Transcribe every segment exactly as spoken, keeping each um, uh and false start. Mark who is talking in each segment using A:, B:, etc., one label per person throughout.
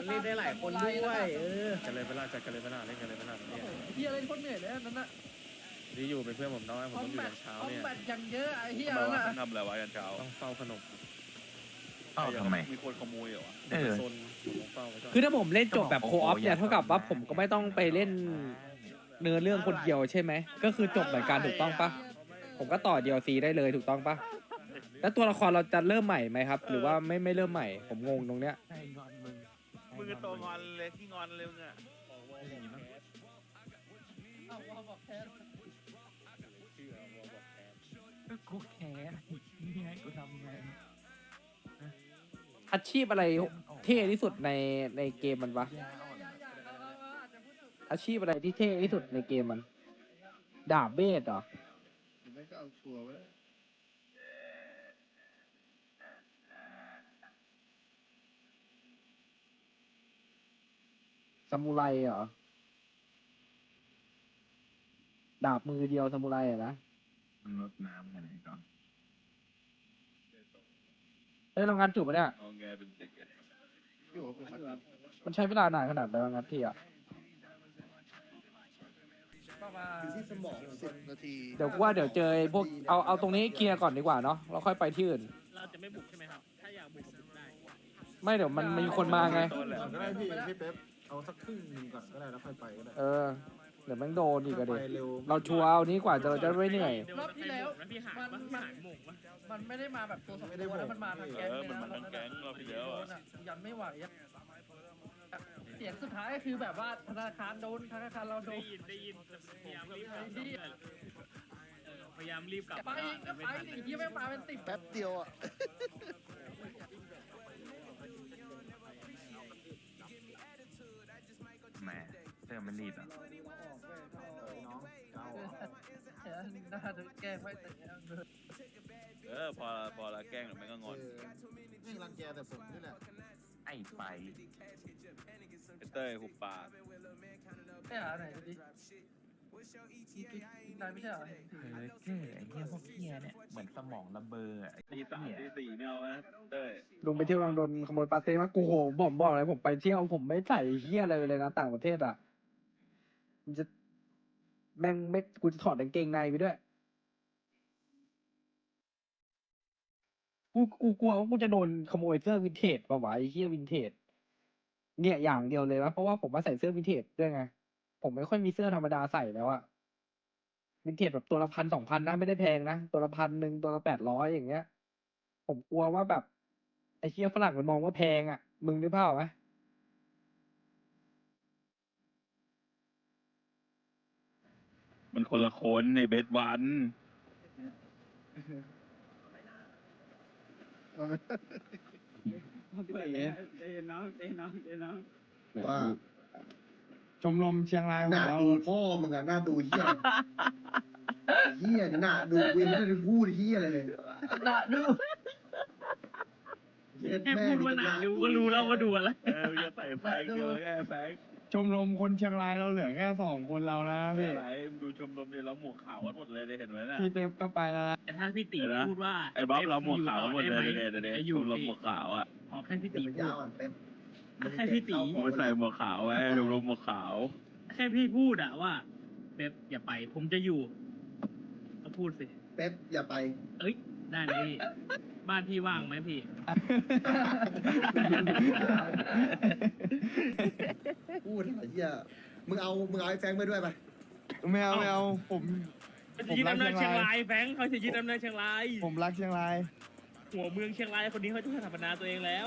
A: มันเล่นได้หลายคนด้วยเออ
B: กันเลยเวลาจัดกันเลยเวลาเล่นกันเลยเวลาเนี่ย
C: เฮียเล่นคนเหนื่อยเลยนั่นน่ะ
B: ที่อยู่เป็นเพื่อนผมน้อยผม
C: คอ
B: ต้อ
C: ม
B: งอยู่
C: แบ
B: ยั
C: ท
B: นเช้า
C: คอม
B: เนี่ย
C: แบทอย่างเยอะไอ้เฮีย
D: ทำไม
C: นั่น
D: วะ
C: น่ะ
D: ทำอะไรวะยันเช้า
B: ต้องเฝ้าขนม
E: เอ้าทำไม
D: มีคนขโมยเหรอวะ
E: เออ
B: โซนผมต้องเฝ้าไว้ก่อน
A: คือถ้าผมเล่นจบแบบโคออฟเนี่ยเท่ากับว่าผมก็ไม่ต้องไปเล่นเนื้อเรื่องคนเดียวใช่ไหมก็คือจบเหมือนกันถูกต้องปะผมก็ต่อ ดี แอล ซี ได้เลยถูกต้องปะแล้วตัวละครเราจะเริ่มใหม่ไหมครับ หรือว่าไม่ไม่เริ่มใหม่ผมงงตรงเนี้ย
E: ใช่งอนมึง
D: มึงก็โตงอนเลยที่งอนเลยมึงอะ
C: เอาว่าบอกแทน
E: ก็กูแค้นนี่ไงกูทำไง
A: อาชีพอะไรเท่ที่สุดในในเกมมันวะ
E: ยาอ่อน
C: อาจจะพูดถูก
A: อาชีพอะไรที่เท่ที่สุดในเกมมัน ดาบเบสเหรอ
F: ไม่ก็เอาชัวร์ไว้
A: ซามูไรเหรอ ดาบมือเดียวซามูไรอะนะ
E: ลดน้ำกันไหนก่อน
A: เอ้ยเรางานจุบปะเนี่ย
D: เอาไงเป็นเด็กอะ
F: อยู่กับคนครับ
A: มันใช้เวลานานขนาดไหนวะงานที่อ่ะ
C: ประมาณ
F: อยู่ที่สมองสิบนาที
A: เดี๋ยวกูว่าเดี๋ยวเจอไอ้พวกเอาเอาตรงนี้เคลียร์ก่อนดีกว่าเนาะเราค่อยไปที่อื่น
G: เราจะไม่บุกใช่ไหมครับ ถ้าอยากบุกบุกได้
A: ไม่เดี๋ยวมันมีคนมาไง
D: ต้นแหละ
F: ก็ได้พี่พี่เป๊ปเอาสักครึ่งหนึงก่อนก็ได้แล้วค่อยไปก็ได้
A: เออ เดี๋ยวแม่งโดนอีกอะ
F: ไป
A: ดิ
F: เร็ว
A: เราชัวร์เอานี้กว่าจะเราจะไม่เหนื่อย
C: รอบที่แล้ว
G: แล้วพี่หาย
C: มัน
G: ปะ
C: มัน
G: หายหม่งปะ
C: มันไม่ได้มาแบบตัวสองตัวแล้วมันมาทั้งแก๊งเลยนะยันไม่ไหวอะเสียงสุดท้ายก็คือแบบว่าธนาคารโดนธนาคารเราโด
G: ได้
C: น
G: ยินได้ยินพยายามรีบกลับเออพยายามรีบกลับ
C: ไปอีกก็ไปดิที่ไม่มาเป็นสิบ
F: แป๊บเดียวอ่ะ
E: แหมเสื้อมันรีดอ่ะ
C: น่าจะแก้ไม่แต่
D: เออพอพอละแกล้งหรือไม่ก็งอน
F: นี่รังแกแต่ผมนี่แหละ
E: ไอ้ไป
D: ไอ้เต้ยหุบปาก
C: แก้หาไหนดินายไม่ใช่เหรอ
E: เออเจ้ไอ้เหี้ยพวกเหี้ยเนี่ยเหมือนสมองระเบอร์อะไอ้
D: ตีสาม
E: เหี้ย
D: ตีสี่ไม่เอานะเต้ย
A: ลุงไปเที่ยวลังโดนขโมยปาเต้มากูโหผมบอกเลยผมไปเที่ยวผมไม่ใส่เฮียอะไรเลยนะต่างประเทศอ่ะมันจะแม่งไม่กูจะถอดกางเกงในไปด้วยกูกูกลัวว่ากูจะโดนขโมยเสื้อวินเทจป่าวะไอ้เฮียวินเทจเนี่ยอย่างเดียวเลยนะเพราะว่าผมมาใส่เสื้อวินเทจด้วยไงผมไม่ค่อยมีเสื้อธรรมดาใส่แล้วอะวินเทจแบบตัวละพันสองพันนะไม่ได้แพงนะตัวละพันหนึ่งตัวละแปดร้อยอย่างเงี้ย ผมกลัวว่าแบบไอ้เชี่ยฝรั่งมันมองว่าแพงอ่ะ มึงนึกภาพออกไหม
D: มันคนละคนในเบสวัน
F: ว่า
A: ชมรมเชียงราย
F: หน้าดูพ่อมึงอะหน้าดูเฮียเฮียหน้าดูกูยังไม่ได้พูดเฮียอะไรเลย
C: น่าดู
F: เหี้ย
G: แค่
F: แม่
G: พูดว่าหนาดูก็รู้แล้วว่าดูอะไร
D: เออจะใส่แฟงเดียวแค่แฟง
A: ชมรมคนเชียงรายเราเหลือแค่สองคนเรานะ
D: ไม่
A: พี่
D: ไรดูชมรมเนี่ยเราหมวกขาวกันหมดเลยได้เห็นไหมน่ะ
A: พี่เต็มก็ไปแล้วนะ
G: แต่ถ้าพี่ตี
D: เดี๋ยวนะ
G: พูดว่า
D: ไอ้บ๊อบเราหมวกขาวกันหมดเลย
G: ไ
D: เดี๋ยวเดี๋ยวเดี๋ยว
G: ไอ้อ
D: ช
G: ยู่
D: มรมหมวกขาวอ่ะ
G: ขอแค่พี่
F: เดี๋
G: ตี
F: ยว
G: พู
F: ยา
G: ด
F: วอ่ะเป๊ป
G: แค่พี่ตี
D: ผมไปใส่หมวกขาวไว้ชมรมหมวกขาว
G: แค่พี่พูดอะว่าเป๊ปอย่าไป ผมจะอยู่ก็พูดสิ
F: เป๊ปอย่าไป
G: เอ้ย ได้เลยพี่ บ้านพี่ว่างไหมพี่
F: พูดอะไรเฮียมึงเอามึงเอาไอ้แฟงไปด้วยไป
A: ไม่เอาไม่เอาผม
G: เขาจะยึดอำนาจเชียงรายแฟรงค์เขาจะยึดอำนาจเชียงราย
A: ผมรักเชียงราย
G: หัวเมืองเชียงรายคนนี้เขาจะสถาปนาตัวเองแล้ว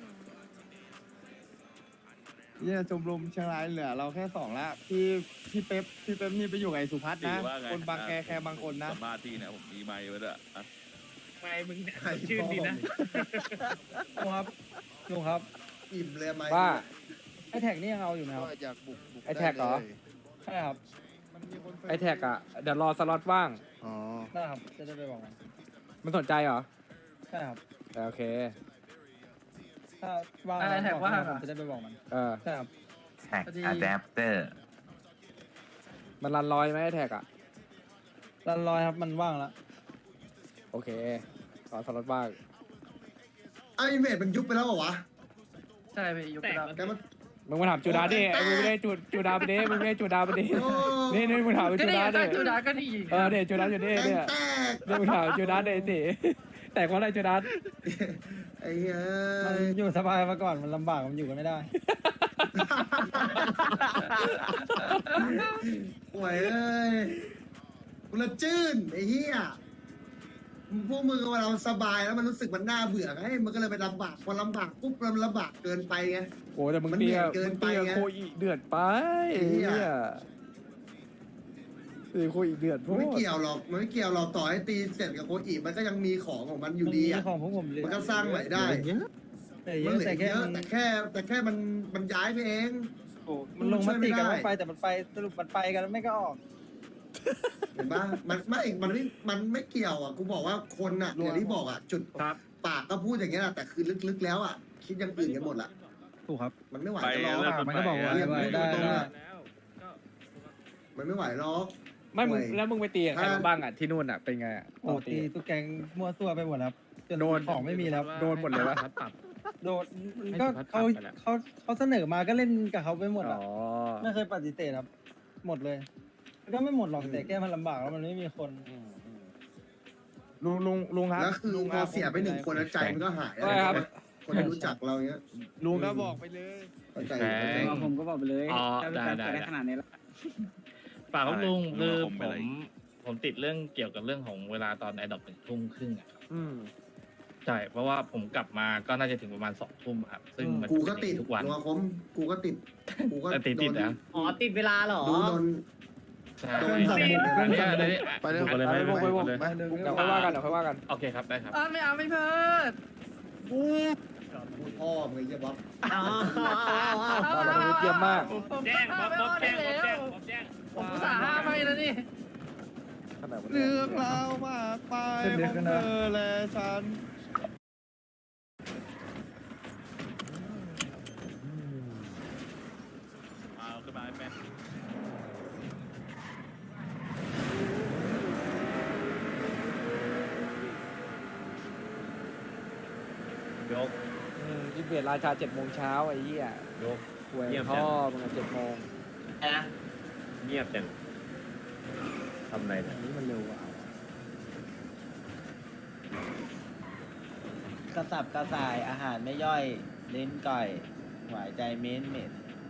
A: เนี่ยชมรมเชียงรายเหลือเราแค่สองละพี่พี่เป๊ปพี่เป๊ปนี่ไปอยู่กับไอ้สุพัฒน์
D: ตี
A: นะ
D: ว่าไง
A: คนบางแคแคบางคนนะ
D: สัมภาษณ์ที่เนี่ยผมมีไมค์ไว้ด้วยอ่ะ
G: ไม่มึงเนี่ยชื่นดีนะ
A: ลุงครับลุงครับ
F: อิ่มเลยไหม
A: ว่าไอแท็กนี่ยังเอาอยู่ไหมครับ
F: ก็อยากบุกบุก
A: ไอ้แท็กเหรอ
F: ได้ลย
A: ใช่ครับ ไอแท็กอ่ะเดี๋ยวรอสล็อตว่าง
F: อ๋อ
A: ได้ครับจะได้ไปบอกมันมันสนใจเหรอใช่ครับโอเคถ้าว่าง
C: อะไรแท็กว่าง
A: ผม
C: อะ
A: จะได้ไปบอกมันเออใช่ครับ
E: แท็กอะแดปเตอร์
A: มันรันลอยไหมไอแท็กอ่ะรันลอยครับมันว่างแล้วโอเครอสล็อตว่าง
F: ไอ้อินเวดมันยุบไปแล้วเหรอวะ
C: ใช่ไปยกกระดับ
F: แกมัน
A: มึงมาถามจูดาดิมึงไม่ได้จูจูดาไปดิมึงไม่ได้จูดาไปดินี่นี่มึงถามไป
C: ก็
A: จู
C: นี่
A: ดา
C: ก็
A: ดิ
C: จูดาก็ดี
A: เออเดี๋ยวจูดาอยู่นี่
F: แกง
A: เนี่ย
F: แตก
A: เดี๋ยวมึงถามจูดาดิสิแต่เพราะอะไรจูดา
F: ไอ้เหี้ย
H: มันอยู่สบายมาก่อนมันลำบากมันอยู่กันไม่ได้
F: ห่วยเอ้ยกูละจื้นไอ้เหี้ยพวกมึงเวลามันสบายแล้วมันรู้สึกมันน่าเบื่อไงมันก็เลยไปลำบากพอลำบากปุ๊บมันลำบากเกินไปไง
A: โอ้แต่มึง
F: มัน
A: เตี้ย
F: เหนื่อยเกิ
A: มึ
F: น
A: ง
F: ไป
A: เตี้ย
F: ไง
A: โคอีเดือดไป
F: ไอ้เหี้ย
A: ตีโคอีเดือด
F: มันไม่เกี่ยวหรอกมันไม่เกี่ยวหรอกต่อให้ตีเสร็จกับโคอีมันก็ยังมีของของมันอยู่ดี
H: มัน
F: อ่ะ
H: มีของพวกผมเหลือ
F: มันก็สร้างใหม่ได้
H: แต่เย
F: มัน
H: อะ
F: เหลื
H: แต่
F: อ
H: แค่
F: เยอะ
H: มัน
F: แต่แค่แต่แค่มันมันย้ายไปเอง
H: โอ้มันลงมติกันว่าไปแต่มันไปสรุปมันไปกันแล้วไม่ก็ออก
F: เห็นปะมันไม่ มันไม่ มันไม่เกี่ยวอ่ะ กูบอกว่าคนอ่ะอย่างที่บอกอ่ะ จุด
B: ครับ
F: ปากก็พูดอย่างเงี้ยแหละแต่คือลึกๆแล้วอ่ะ คิดอยังอื่นกันหมดละ
H: ถูกครับ
F: มันไม่ไหว
D: ไป
F: จะรอ
D: เริ่ม
H: มันก็บอกว่า
F: เรียก
H: ไว้
F: ไม่
H: ได้
F: ตรง
H: ได้
F: อ่ะมันไม่ไหวหรอก
A: ไม่มึง
F: โอ้ย
A: แล้วมึงไปตีกับใครมาบ้างอ่ะที่นู่นอ่ะเป็นไงอ่ะ
H: โอ้ตีทุกแกงมั่วซั่วไปหมดแล้วจน
A: โดน
H: ของไม่มีแล้ว
A: โดนหมดเลยวะ
B: ปรับ
H: โดนก็เขาเขาเขาเสนอมาก็เล่นกับเขาไปหมด
A: อ๋
H: อ่ะ
A: อ
H: ไม่เคยปฏิเสธครับ หมดเลยมันก็ไม่หมดหรอกแต่แก้มันลำบากแล้วมันไม่มีคน
A: อืมอืมลุงลุงลุงครับ
F: แล้วคือ
A: ลุง
F: พอเสียไปหนึ่งคนแล้วใจมันก็หาย
A: ใช่ครับ
F: คนที่รู้จักเราเงี้ย
A: ลุงก็บอกไปเลย
F: เข้าใจเข้าใจ
I: ผมก็บอกไปเลย
B: อ๋อ
I: ถ้าเป็น
B: ได้
I: การ
B: ได้
I: เปิดได้ขนาดนี้แล้ว
J: ฝากครับลุง
D: อะไร
J: คือ
D: ผม
J: ผ
D: เป็นอะไร
J: มผมติดเรื่องเกี่ยวกับเรื่องของเวลาตอนไอดอปหนึ่งทุ่มครึ่งอะครับ
A: อืม
J: ใช่เพราะว่าผมกลับมาก็น่าจะถึงประมาณสองทุ่มครับ ซึ่งมัน
F: กูก็
J: เป็น
F: ติด
J: ทุกวัน
F: นัวคมกูก็ติด กูก็
J: แต่ติดติด
F: โน
J: นะ
I: อ๋อ ติดเวลาเหรอ
F: ดูโดน
J: ใช่
F: โดนสั่งหมดเลย
J: อันนี้อันนี้
B: ไปเลยไปเลย
A: ไป
B: ไป
A: ไป
B: เลย
A: ไป
B: ไปเลย
A: เดี๋ยวค่อยว่ากันเดี๋ยวค่อยว่ากัน
J: โอเคครับได้ครับ
C: อ่าไม่เอาไม่เพิด
F: พ่อมึงไอ้เหี้ยบ๊อบ
I: อ๋อ
A: ตอนนี้เยี่ยมมาก
C: ผม
J: แจ้งบ๊อบบ๊อบแจ้งบ๊อบแจ้ง
C: ผม
J: บ๊อบแจ้ง
C: ผมอุตส่าห์ห้ามไปแล้วนี่
A: ขนาดวัน
B: เรื่
A: นี้
B: องราวมากไป
H: เส้นเล็ก
B: ของ
H: นะ
B: เธอและฉัน
D: มาเอาขึ้นมาให้แม่น
J: ยก
A: อืมที่เบียดราชาเจ็ดโมงเช้าไอ้เหี้ย
J: ยก
A: หวย
J: เยี่ยม
A: พ่อมึงเจ็ดโมง
J: เงียบจังทำอะไร
A: อั
J: เนี่ย
A: นนี้มันเร็วอ่ะ
H: กระสับกระส่ายอาหารไม่ย่อยลิ้นก่อยหวายใจเม้นเหม็น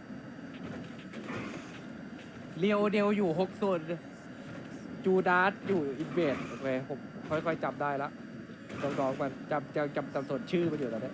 A: เรียวเดียวอยู่หกส่วนจูดาสอยู่อินเวดโอเคผมค่อยๆจำได้ละต้องร้องกันจำจำจำจำส่วนชื่อมันอยู่ตอนนี้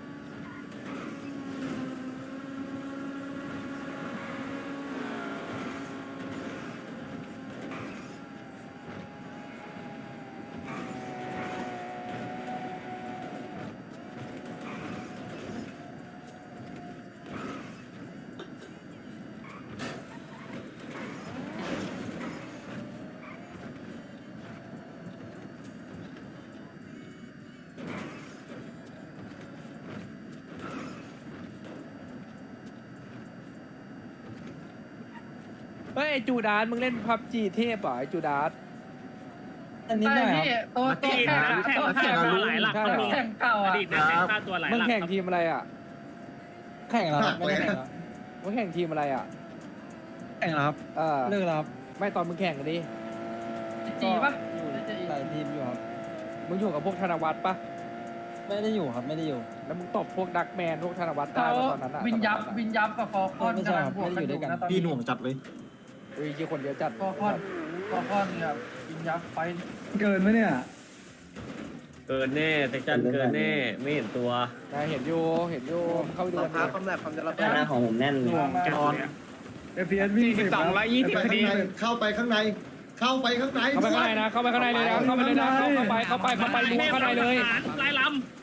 A: เฮ้ยไอ้จูดาสมึงเล่นพับจีเทพเหรอไอ้จูดาส
H: อันนี้
C: ใช่
H: ได้ครับ
C: พี่ตัวตัวแข่งอะตัวแข่ง
J: ตัวหลายหลัก
A: ใช่
J: ครับ
A: เหร
J: ลุ
A: อ
J: ง
C: แข่งเก่า
J: อ
C: อ่ะ
J: ดีตนักเตะค่าตัวหลายห
A: มึง
J: ลัก
A: แข่ง
J: ครับ
A: ทีมอะไรอ่ะ
H: แข่งแล้วครับไม่ได้แข่งแล้ว
A: มึงแข่งทีมอะไรอ่ะ
H: แข่งแล้วครับ
A: เออ
H: เลิกแล้วครับ
A: ไม่ตอนมึงแข่งกันดิ
C: จีปะ
H: หลายทีมอยู่ครับ
A: มึงอยู่กับพวกธนวัฒน์ปะ
H: ไม่ได้อยู่ครับไม่ได้อยู่
A: แล้วมึงตบพวกดักแมนพวกธนวัฒน์ได้
C: เขา
A: ปะตอนนั้นอ่ะ
C: วินยับ
A: ตอนนั้นอะ
C: วินยับกับฟอร์คอน
H: ไม่ใช่
C: กำลั
H: ครั
C: ง
H: บบ
C: วกกัน
H: ไม่ได้อยู่ด้วยกัน
C: นะตอน
H: พี่
C: นี้
H: หน่วงจัดเลย
A: เฮ้ยยี่คนเดียวจัด
C: ฟอร์คอนฟอร์คอนเนี่ยวินยับไฟ
H: เกินไหมเนี่ย
J: เกินแน่เซ็กชันเกินแน่ไม่เห็นตัว
A: นายเห็นอยู่เห็นอยู่เข้าไปดูกันดิ
I: ความแหลกความจะรับหน้าของผมแน่น
H: หน่วงจอนเอฟพีเอสวิ่งสิบครับ
F: เข้าไปข้างใน เข้าไปข้างใน เข้าไปข้างใน
A: เข้าไปข้างในนะเข้าไปข้างในเลยนะเข้าไปเลยนะเข้าไปเข้าไปเข้าไปล้วงข้างในเลย
J: ลายลำ